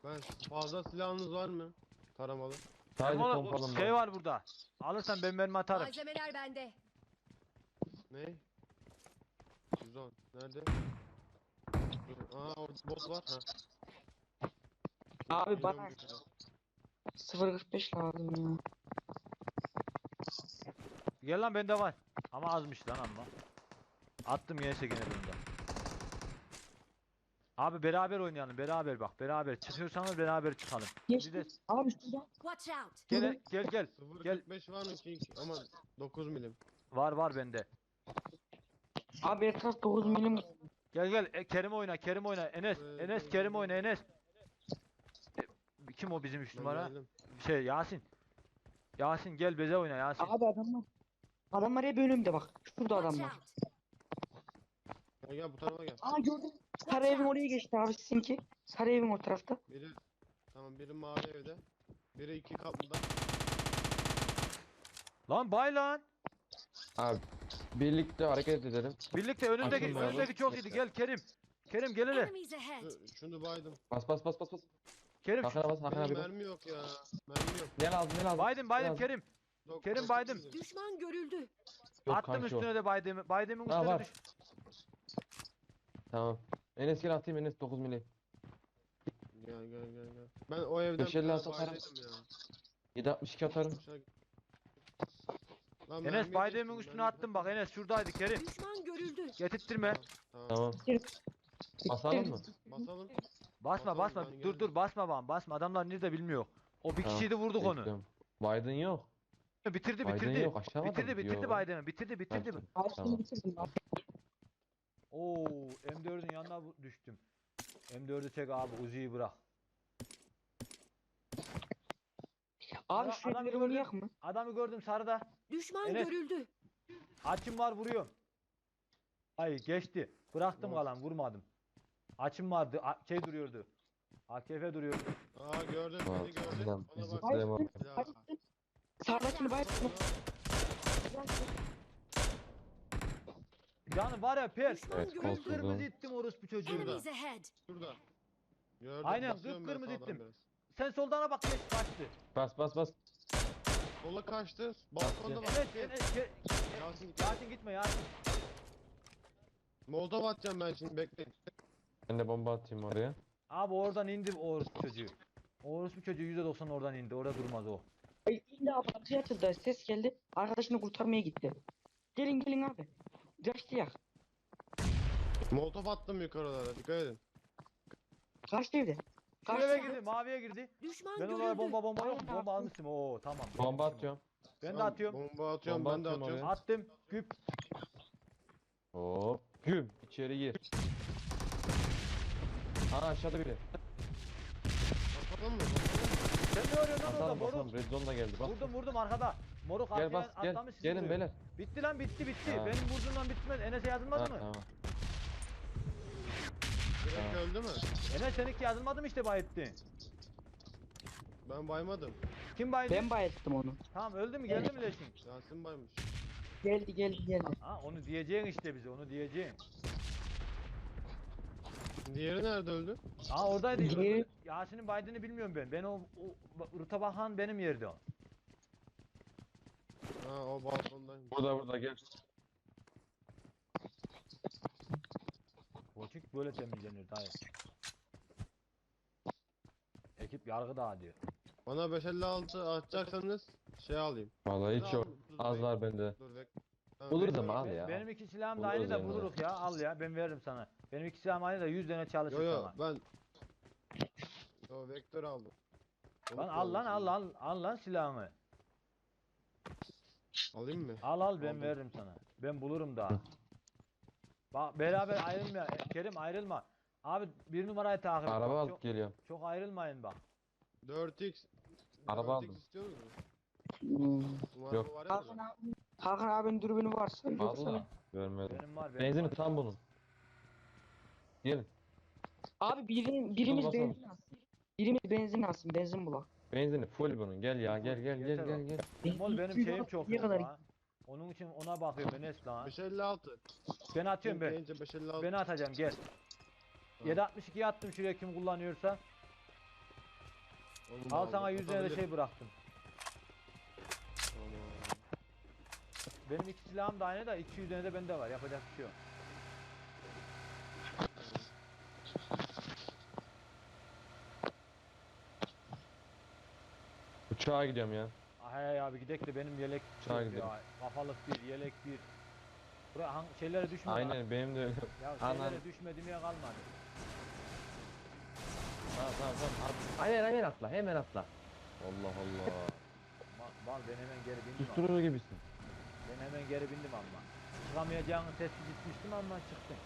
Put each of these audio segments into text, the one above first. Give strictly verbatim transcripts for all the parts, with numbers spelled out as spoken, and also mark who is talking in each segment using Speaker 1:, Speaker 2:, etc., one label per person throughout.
Speaker 1: Ben fazla silahınız var mı? Taramalı.
Speaker 2: Sadece
Speaker 3: Ama
Speaker 2: pompalım
Speaker 3: şey
Speaker 2: var.
Speaker 3: var burada. Alırsan ben mermi atarım.
Speaker 4: Malzemeler bende.
Speaker 1: Ne? yüz on. Nerede? Dur. Aa orada bot var. Ha.
Speaker 5: Abi
Speaker 1: Geliyorum
Speaker 5: bana
Speaker 1: yukarı.
Speaker 5: sıfır kırk beş lazım ya.
Speaker 3: Gel lan bende var. Ama azmış lan amma. Attım yense gene bunda. Abi beraber oynayalım, beraber bak, beraber çıkıyorsanız beraber çıkalım. Bir de
Speaker 5: Geçti. Abi şurada.
Speaker 4: Watch out.
Speaker 3: gel gel gel.
Speaker 1: sıfır
Speaker 3: Gel.
Speaker 1: kırk beş var mı ki? Ama dokuz milim.
Speaker 3: Var var bende.
Speaker 5: Abi etraf dokuz milim.
Speaker 3: Gel gel e, Kerim oyna, Kerim oyna. Enes,
Speaker 1: Ee,
Speaker 3: Enes Kerim oyna Enes. E, kim o bizim üç
Speaker 1: Ben
Speaker 3: numara?
Speaker 1: geldim.
Speaker 3: Şey Yasin. Yasin gel beze oyna Yasin.
Speaker 5: Abi adamlar. Adamlar hep önümde bak. Şurada
Speaker 4: Watch
Speaker 5: adamlar.
Speaker 4: out.
Speaker 1: Gel gel bu tarafa gel.
Speaker 5: Aa gördüm. Sarı evin oraya geçti abi sizinki. Sarı evin o tarafta.
Speaker 1: Biri tamam biri mavi evde. Biri iki katlıda.
Speaker 3: Lan bay lan.
Speaker 2: Abi birlikte hareket edelim.
Speaker 3: Birlikte önündeki
Speaker 2: Açılmayalım.
Speaker 3: önündeki çok iyiydi. Gel Kerim. Kerim gel hele.
Speaker 4: Enemies ahead.
Speaker 1: Şu- Şunu baydım.
Speaker 2: Bas bas bas bas bas.
Speaker 3: Kerim.
Speaker 2: Hakan'a bas, Hakan
Speaker 1: Benim
Speaker 2: abi bas.
Speaker 1: mermi yok ya. Mermi yok.
Speaker 2: Ne lazım ne lazım?
Speaker 3: Baydım
Speaker 2: Ne
Speaker 3: baydım
Speaker 2: lazım?
Speaker 3: Kerim.
Speaker 1: Dok-
Speaker 3: Kerim
Speaker 1: dokuz
Speaker 3: baydım.
Speaker 1: milim.
Speaker 4: Düşman görüldü.
Speaker 2: Yok
Speaker 3: Attım
Speaker 2: kanki o.
Speaker 3: üstüne de baydemi. Baydemin
Speaker 2: Ha,
Speaker 3: üstüne
Speaker 2: var.
Speaker 3: düş.
Speaker 2: Tamam. Enes gel atayım Enes dokuz mili.
Speaker 1: Gel gel gel gel. Ben o evden
Speaker 2: beş elli
Speaker 1: bir tane
Speaker 2: atarım.
Speaker 1: baydaydım ya.
Speaker 2: yedi altmış iki atarım.
Speaker 1: Aşağı- Lan
Speaker 3: Enes
Speaker 1: mermiyi
Speaker 3: baydemin
Speaker 1: geçtim,
Speaker 3: üstüne
Speaker 1: mermi-
Speaker 3: attım bak Enes şuradaydı Kerim.
Speaker 4: Düşman görüldü.
Speaker 3: Getirttirme.
Speaker 1: Tamam.
Speaker 2: Tamam. Basalım mı?
Speaker 1: Basalım.
Speaker 3: Basma
Speaker 1: Basalım,
Speaker 3: basma.
Speaker 1: ben
Speaker 3: Dur
Speaker 1: geldim.
Speaker 3: dur basma bana. Basma. Adamlar nerede bilmiyor. O bir
Speaker 2: Tamam,
Speaker 3: kişiydi vurduk onu.
Speaker 2: bekliyorum. Biden yok.
Speaker 3: Bitirdi
Speaker 2: Biden
Speaker 3: bitirdi.
Speaker 2: yok, aşağı mı
Speaker 3: bitirdi
Speaker 2: adam?
Speaker 3: bitirdi
Speaker 2: Yok.
Speaker 3: Baydem'i. Bitirdi bitirdi.
Speaker 2: Ha,
Speaker 5: Abi
Speaker 2: Tamam.
Speaker 5: şimdi bitirdim abi.
Speaker 3: Oo M dördün yanına bu- düştüm. M dördü çek abi Uzi'yi bırak.
Speaker 5: Abi
Speaker 3: Adam-
Speaker 5: şu
Speaker 3: adam
Speaker 5: evleri
Speaker 3: gördüm.
Speaker 5: oynayak mı?
Speaker 3: Adamı gördüm sarıda.
Speaker 4: Düşman
Speaker 3: Enes.
Speaker 4: görüldü.
Speaker 3: Açım var vuruyorum. Ay geçti. Bıraktım
Speaker 1: Yok.
Speaker 3: kalan vurmadım. Açım vardı. A- şey duruyordu. A K F duruyordu.
Speaker 1: Aa gördüm
Speaker 2: Tamam,
Speaker 1: beni gördüm.
Speaker 2: tamam.
Speaker 1: Bana
Speaker 2: Biz
Speaker 1: bak.
Speaker 2: zıplayalım abi.
Speaker 1: Ya.
Speaker 5: Sağdakini bayılttım.
Speaker 3: Yani var ya pers.
Speaker 4: Düşman
Speaker 2: Evet,
Speaker 4: görüldü.
Speaker 2: kolsuzluğum.
Speaker 3: Kırmızı ittim orospu çocuğu.
Speaker 4: Enemies ahead.
Speaker 1: Şurada. Gördüm.
Speaker 3: Aynen,
Speaker 1: basıyorum ben
Speaker 3: kıpkırmızı
Speaker 1: sağdan
Speaker 3: ittim.
Speaker 1: biraz.
Speaker 3: Sen soldana bak geç kaçtı.
Speaker 2: Bas bas bas.
Speaker 1: Sola kaçtı. Balkonda bak.
Speaker 3: Enes Enes ge-
Speaker 1: Yasin.
Speaker 3: Yasin gitme Yasin.
Speaker 1: Molotov atacağım ben şimdi bekleyin.
Speaker 2: Ben de bomba atayım oraya.
Speaker 3: Abi oradan indi o orospu çocuğu. O orospu çocuğu yüzde doksan oradan indi. Orada durmaz o.
Speaker 5: Ay, illa abi atıya atıldı. Ses geldi. Arkadaşını kurtarmaya gitti. Gelin gelin abi. Kaçtı ya.
Speaker 1: Molotov attım yukarılara. Dikkat edin.
Speaker 5: Kaçtı evde.
Speaker 3: Şu eve
Speaker 5: Kaçtı.
Speaker 3: girdi, maviye girdi.
Speaker 4: Düşman
Speaker 3: Ben
Speaker 4: görüldü.
Speaker 3: oraya bomba bomba yok mu?
Speaker 5: Aynen.
Speaker 3: Bomba almıştım. Oo tamam.
Speaker 2: Bomba atıyorum.
Speaker 3: Ben de
Speaker 1: Tamam,
Speaker 3: atıyorum.
Speaker 1: Bomba atıyorum
Speaker 2: Bomba
Speaker 1: ben de
Speaker 2: atıyorum
Speaker 1: atıyorum.
Speaker 2: oraya.
Speaker 3: Attım. Güp.
Speaker 2: Hop. Güm. İçeri gir. Aa aşağıda biri.
Speaker 1: Bakalım mı?
Speaker 3: Sen ne arıyorsun lan orada
Speaker 2: Basalım
Speaker 3: moruk?
Speaker 2: basalım. Red zone da geldi. Bas.
Speaker 3: Vurdum vurdum arkada. Moruk
Speaker 2: Gel
Speaker 3: arkaya
Speaker 2: bas gel.
Speaker 3: atlamış sizi
Speaker 2: Gelin
Speaker 3: vuruyor.
Speaker 2: beyler.
Speaker 3: Bitti lan bitti bitti.
Speaker 2: Ha.
Speaker 3: Benim vurduğumdan bitmez. Enes'e
Speaker 2: Ha,
Speaker 3: yazılmadı mı?
Speaker 2: tamam.
Speaker 1: Direkt
Speaker 2: Ha.
Speaker 1: öldü mü?
Speaker 3: Enes seninki yazılmadı mı işte bayitti.
Speaker 1: Ben baymadım.
Speaker 3: Kim baydı?
Speaker 5: Ben bayılttım onu.
Speaker 3: Tamam öldü mü geldi mi leşin?
Speaker 1: Yasin baymış.
Speaker 5: Geldi geldi geldi.
Speaker 3: Ha onu diyeceksin işte bize onu diyeceksin.
Speaker 1: Diğeri nerede öldü?
Speaker 3: Aa oradaydı.
Speaker 5: Diğeri-
Speaker 3: Yasin'in baydığını bilmiyorum ben. Ben o, o Rıta Bakan benim yerde o.
Speaker 1: Ha o balkondaymış.
Speaker 2: Burada burada gel.
Speaker 3: Koçuk böyle temizlenir dayı. Ekip yargı dağıtıyor.
Speaker 1: Bana beş elli altı atacaksanız şey alayım.
Speaker 2: Vallahi hiç
Speaker 1: Dur,
Speaker 2: yok.
Speaker 1: dur,
Speaker 2: Az
Speaker 1: dur,
Speaker 2: var bende.
Speaker 1: Dur bek. Tamam,
Speaker 2: Buluruz
Speaker 1: bekle.
Speaker 2: ama al
Speaker 3: Ben-
Speaker 2: ya.
Speaker 3: Benim iki silahım da
Speaker 2: Buluruz
Speaker 3: aynı da
Speaker 2: yani.
Speaker 3: buluruz ya. Al ya ben veririm sana. Benim iki silahım aynı da yüz tane çalışır
Speaker 1: Yo yo
Speaker 3: sana.
Speaker 1: ben Yo vektör aldım.
Speaker 3: Lan al lan al al al lan silahımı.
Speaker 1: Alayım mı?
Speaker 3: Al al ben
Speaker 1: Aldım.
Speaker 3: veririm sana. Ben bulurum daha. Bak beraber ayrılma. E, Kerim ayrılma. Abi bir numarayı takip et.
Speaker 2: Araba
Speaker 3: Bak,
Speaker 2: alıp
Speaker 3: çok,
Speaker 2: geliyorum.
Speaker 3: çok ayrılmayın bak.
Speaker 1: dört x.
Speaker 2: Araba
Speaker 1: dört x
Speaker 2: aldım.
Speaker 1: istiyor musun?
Speaker 5: Hmm.
Speaker 1: Numara
Speaker 2: Yok.
Speaker 1: var ya
Speaker 5: Hakan
Speaker 1: burada.
Speaker 5: abi. Hakan abinin dürbünü varsa. yoksa-
Speaker 2: Vallahi görmedim.
Speaker 3: Benim var benim
Speaker 2: Benzini
Speaker 3: var.
Speaker 2: tam bunun. Gelin.
Speaker 5: Abi birin, birimiz
Speaker 2: basalım.
Speaker 5: benzin alsın. Birimiz benzin alsın. Benzin bulak.
Speaker 2: Benzini full bunun. Gel ya gel gel gel
Speaker 3: Yeter
Speaker 2: gel
Speaker 3: o.
Speaker 2: gel.
Speaker 3: Mol benim şeyim çok
Speaker 5: Ne
Speaker 3: yok
Speaker 5: kadar-
Speaker 3: ha. Onun için ona bakıyorum Enes lan.
Speaker 1: beş elli altı.
Speaker 3: Ben atıyorum ben.
Speaker 1: Gelince beş elli altı.
Speaker 3: Ben atacağım gel.
Speaker 1: Tamam.
Speaker 3: yedi altmış ikiyi attım şuraya kim kullanıyorsa.
Speaker 1: Onu da
Speaker 3: Al
Speaker 1: aldım,
Speaker 3: sana yüz tane de
Speaker 1: atabilirim.
Speaker 3: şey bıraktım.
Speaker 1: Tamam.
Speaker 3: Benim iki silahım da aynı da iki yüz tane de bende var. Yapacak bir şey yok.
Speaker 2: Uçağa gidiyorum ya.
Speaker 3: Ay abi gidek de benim yelek
Speaker 2: Uçağa
Speaker 3: yok
Speaker 2: gidelim.
Speaker 3: ya. Kafalık bir, yelek bir. Buraya hang şeylere düşme. lan.
Speaker 2: Aynen benim de öyle.
Speaker 3: Ya
Speaker 2: Anan.
Speaker 3: şeylere düşme demeye kalmadı.
Speaker 2: Tamam tamam tamam. At- Hemen hemen atla hemen atla. Allah Allah.
Speaker 3: Bak, bak ben hemen geri bindim. ama.
Speaker 2: Susturur gibisin.
Speaker 3: Ben hemen geri bindim ama. Çıkamayacağını tespit etmiştim ama çıktım.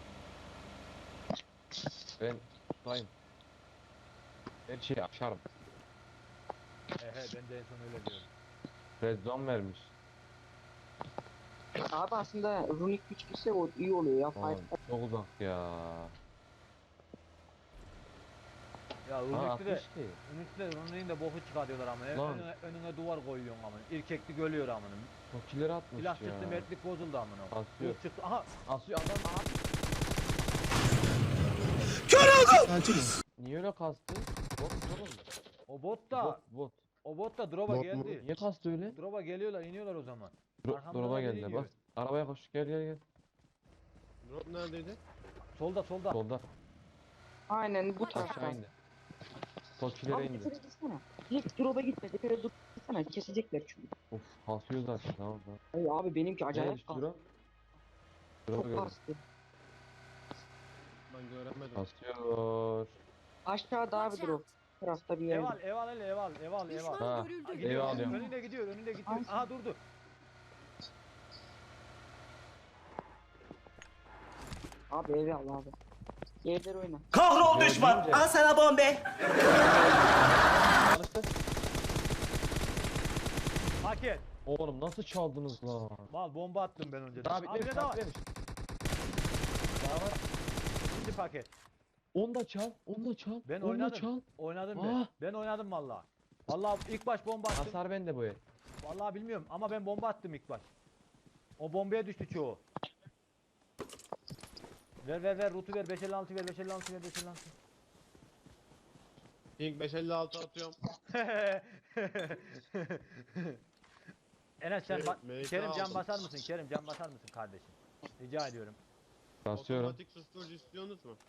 Speaker 2: Ben tutayım. Her şeyi açarım.
Speaker 3: He he ben de en son öyle diyorum.
Speaker 2: Red zone vermiş.
Speaker 5: Abi aslında runik güç gitse o iyi oluyor ya.
Speaker 2: Aman,
Speaker 5: Fight.
Speaker 2: çok uzak ya.
Speaker 3: Ya
Speaker 2: Ha
Speaker 3: Unix'te de
Speaker 2: atmış ki.
Speaker 3: Unix'te Unix'in de boku çıkartıyorlar ama.
Speaker 2: Lan.
Speaker 3: Önüne, önüne duvar koyuyorsun ama. İrkeklik ölüyor amına.
Speaker 2: Çok kileri atmış
Speaker 3: Silah
Speaker 2: ya.
Speaker 3: çıktı mertlik bozuldu amına.
Speaker 2: Asıyor.
Speaker 3: Yok çıktı. Aha
Speaker 2: Asıyor adam. Niye öyle kastı? Bot oğlum.
Speaker 3: o bot da
Speaker 2: Bot bot.
Speaker 3: o bot da drop'a
Speaker 1: Bot mu?
Speaker 3: geldi.
Speaker 2: Niye kastı öyle?
Speaker 3: Drop'a geliyorlar iniyorlar o zaman.
Speaker 2: Dro
Speaker 3: Arkamdan
Speaker 2: Drop'a
Speaker 3: biri
Speaker 2: geldi
Speaker 3: iniyor.
Speaker 2: bak. Arabaya koş gel gel gel.
Speaker 1: Drop neredeydi?
Speaker 3: Solda solda.
Speaker 2: Solda.
Speaker 5: Aynen bu
Speaker 4: Watch
Speaker 5: tarafta.
Speaker 2: Aşağı indi. Tokilere
Speaker 5: Abi
Speaker 2: indi.
Speaker 5: tepere gitsene. Hiç drop'a gitme. Tepere dur gitsene. Kesecekler çünkü.
Speaker 2: Of kasıyor zaten tamam tamam.
Speaker 5: Ay abi benimki
Speaker 2: Nereye
Speaker 5: acayip
Speaker 2: düştü
Speaker 5: kastı.
Speaker 2: drop? Drop'u
Speaker 5: Çok
Speaker 2: gördüm.
Speaker 5: kastı.
Speaker 1: Ben göremedim.
Speaker 2: Kasıyor.
Speaker 5: Aşağıda abi
Speaker 4: Watch
Speaker 5: drop.
Speaker 4: out.
Speaker 5: Bu tarafta bir yerde.
Speaker 3: Eval eval hele eval eval eval.
Speaker 4: Düşman
Speaker 2: Ha.
Speaker 4: görüldü.
Speaker 3: Gidiyor,
Speaker 2: Eyvah diyorum.
Speaker 3: önünde gidiyor önünde gidiyor.
Speaker 5: Ay.
Speaker 3: Aha durdu.
Speaker 5: Abi evi al abi. Evler oyna.
Speaker 6: Kahrol
Speaker 2: Gördün
Speaker 6: düşman.
Speaker 2: mü?
Speaker 6: Al sana bombe.
Speaker 2: Çalıştı.
Speaker 3: Paket.
Speaker 2: Oğlum nasıl çaldınız lan?
Speaker 3: Mal bomba attım ben önceden.
Speaker 2: Daha
Speaker 3: Abi
Speaker 2: bitmemiş
Speaker 3: ne daha
Speaker 2: daha
Speaker 3: var?
Speaker 2: bitmemiş. Daha var.
Speaker 3: İkinci paket.
Speaker 2: Onu da çal. Onu da çal.
Speaker 3: Ben
Speaker 2: onu da
Speaker 3: oynadım.
Speaker 2: çal.
Speaker 3: Oynadım
Speaker 2: Ah.
Speaker 3: ben. Ben oynadım valla. Valla ilk baş bomba attım.
Speaker 2: Hasar bende bu el.
Speaker 3: Vallahi bilmiyorum ama ben bomba attım ilk baş. O bombaya düştü çoğu. Ver ver ver rutu ver beş elli altı ver beş elli altı ver beş elli altı.
Speaker 1: Pink beş elli altı atıyorum.
Speaker 3: Enes sen
Speaker 1: Şey,
Speaker 3: ba-
Speaker 1: M K
Speaker 3: Kerim can
Speaker 1: aldım.
Speaker 3: basar mısın? Kerim can basar mısın kardeşim? Rica ediyorum.
Speaker 2: Basıyorum.
Speaker 1: Otomatik susturucu istiyorsunuz mu?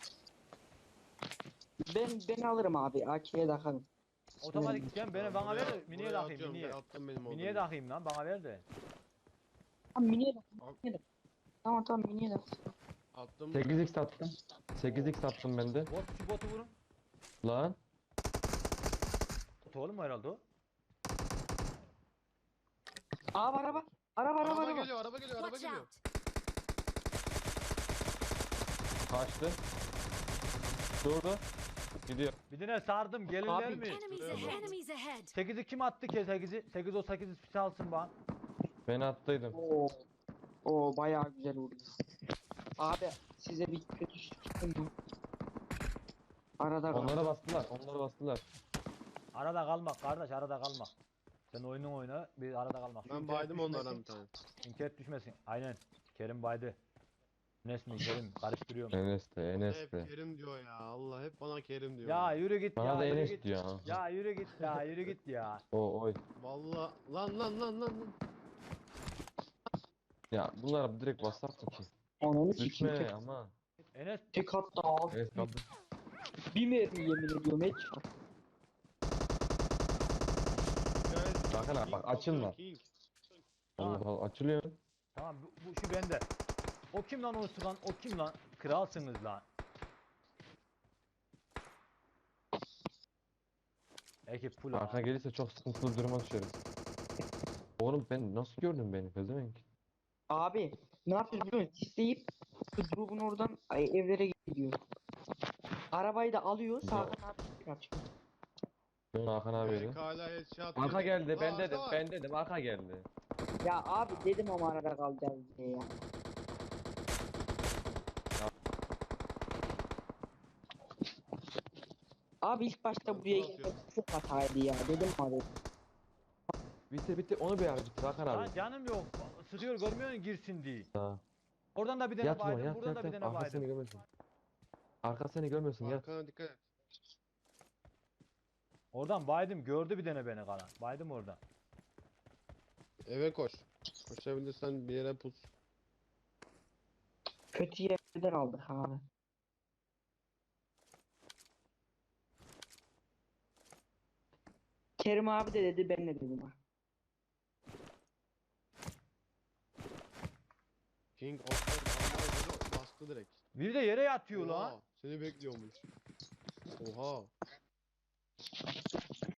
Speaker 5: Ben ben alırım abi. A K'ye takarım.
Speaker 3: Otomatik sen beni bana ver de miniye
Speaker 1: buraya
Speaker 3: takayım
Speaker 1: atıyorum,
Speaker 3: miniye.
Speaker 1: ben attım benim
Speaker 3: Miniye
Speaker 1: olduğunu.
Speaker 3: takayım lan bana ver de.
Speaker 5: Tamam miniye tak.
Speaker 1: Al.
Speaker 5: miniye tak. Tamam tamam miniye tak.
Speaker 1: Attım.
Speaker 2: sekiz x attım. sekiz x attım ben de.
Speaker 3: Bot şu botu vurun.
Speaker 2: Lan.
Speaker 3: Bot oğlum mu herhalde o?
Speaker 5: Abi araba. Araba araba
Speaker 1: Araba
Speaker 5: araba.
Speaker 1: geliyor, araba geliyor, araba
Speaker 4: Watch
Speaker 1: geliyor.
Speaker 4: out.
Speaker 2: Kaçtı. Durdu. Gidiyor.
Speaker 3: Bir tane sardım gelirler
Speaker 5: Abi,
Speaker 3: mi?
Speaker 4: Enemies
Speaker 1: Şuraya
Speaker 4: ahead.
Speaker 1: bak.
Speaker 4: Enemies ahead.
Speaker 3: sekizi kim attı ki sekizi? sekiz o sekiz çalsın bana.
Speaker 2: Ben attıydım.
Speaker 5: Oo. Oo bayağı güzel vurdu. Abi size bir kötü çıktım mı? Arada
Speaker 2: Onlara
Speaker 5: kaldı.
Speaker 2: bastılar. Onlara bastılar.
Speaker 3: Arada kalmak kardeş arada kalmak. Sen oyunun oyna bir arada kalmak. Şu
Speaker 1: Ben
Speaker 3: internet
Speaker 1: baydım
Speaker 3: düşmesin,
Speaker 1: onlardan bir tane.
Speaker 3: İnternet düşmesin. Aynen. Kerim baydı. Enes mi Kerim karıştırıyorum.
Speaker 2: Enes de Enes
Speaker 1: Hep
Speaker 2: de.
Speaker 1: Kerim diyor ya. Allah hep bana Kerim diyor.
Speaker 3: Ya yürü git
Speaker 2: Bana
Speaker 3: ya
Speaker 2: da
Speaker 3: yürü
Speaker 2: Enes
Speaker 3: git.
Speaker 2: diyor ha.
Speaker 3: Ya yürü git ya yürü git ya.
Speaker 2: O oy.
Speaker 1: Vallahi lan lan lan lan lan.
Speaker 2: Ya bunlara direkt bassak mı ki?
Speaker 5: Ananı sikeyim.
Speaker 2: Düşme
Speaker 5: Tek,
Speaker 2: ama.
Speaker 3: Enes
Speaker 5: tek hatta abi.
Speaker 2: Evet kaldı.
Speaker 5: Bir mermi yemin ediyorum headshot.
Speaker 1: Guys,
Speaker 2: Bakın abi,
Speaker 1: King
Speaker 2: bak, açılma.
Speaker 1: basıyor, King.
Speaker 2: Allah Allah açılıyor.
Speaker 3: tamam bu, bu şu bende. O kim lan o sıkan o kim lan? Kralsınız lan. Ekip full
Speaker 2: Arka
Speaker 3: ha.
Speaker 2: gelirse çok sıkıntılı bir duruma düşeriz. Oğlum ben nasıl gördün beni pezevenk?
Speaker 5: Abi ne yapıyoruz biliyor musun? Sisleyip şu drop'un oradan ay, evlere gidiyor. Arabayı da alıyor. Sağdan abi kaçıyor.
Speaker 2: Ben Hakan abiyle.
Speaker 1: Belki hala headshot
Speaker 2: Arka
Speaker 1: yedi.
Speaker 2: geldi
Speaker 1: Aa,
Speaker 2: ben
Speaker 1: arka
Speaker 2: dedim
Speaker 1: var.
Speaker 2: ben dedim arka geldi.
Speaker 5: Ya abi dedim ama arada kalacağız diye ya. Abi ilk başta buraya
Speaker 1: Nasıl
Speaker 5: gelmek çok hataydı ya. Dedim abi.
Speaker 2: Bitti bitti onu bir ara bitir Hakan
Speaker 3: Lan
Speaker 2: abi.
Speaker 3: canım yok. Sıkıyor görmüyor musun girsin diye.
Speaker 2: Ha.
Speaker 3: Oradan da bir tane
Speaker 2: Yat ulan
Speaker 3: baydım
Speaker 2: yat
Speaker 3: buradan
Speaker 2: yat
Speaker 3: da bir
Speaker 2: yat.
Speaker 3: tane
Speaker 2: Arka seni
Speaker 3: baydım.
Speaker 2: görmesin. Arka seni görmesin yat.
Speaker 1: Arkana dikkat et.
Speaker 3: Oradan baydım gördü bir tane beni kana. Baydım oradan.
Speaker 1: Eve koş. Koşabilirsen bir yere pus.
Speaker 5: Kötü yerden aldık abi. Kerim abi de dedi, ben de dedim ha.
Speaker 1: King of bastı direkt.
Speaker 3: Bir de yere yatıyor lan.
Speaker 1: Oha, seni bekliyormuş. Oha.